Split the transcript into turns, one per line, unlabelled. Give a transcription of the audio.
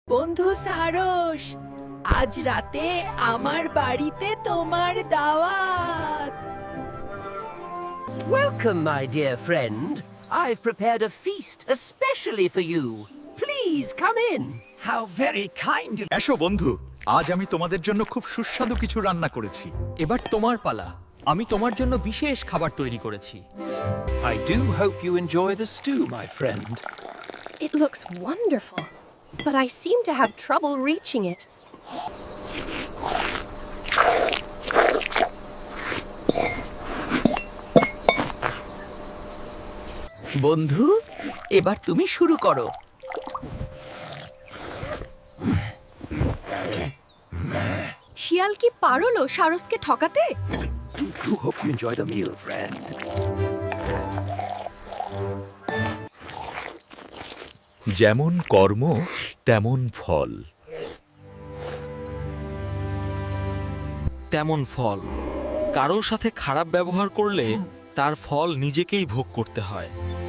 বন্ধু সারস, আজ রাতে আমার বাড়িতে তোমার দাওয়াত।
Welcome, my dear friend. I've prepared a feast especially for you. Please come in.
How very kind of
এসো বন্ধু, আজ আমি তোমাদের জন্য খুব সুস্বাদু কিছু রান্না করেছি।
এবার তোমার পালা। আমি তোমার জন্য বিশেষ খাবার তৈরি করেছি।
I do hope you enjoy the stew, my friend.
It looks wonderful, but I seem to have trouble reaching it.
বন্ধু, এবার তুমি শুরু করো।
শিয়াল কি পারলো সারসকে ঠকাতে?
Do hope you enjoy the meal, friend.
যেমন কর্ম তেমন ফল।
তেমন ফল। কারোর সাথে খারাপ ব্যবহার করলে তার ফল নিজেকেই ভোগ করতে হয়।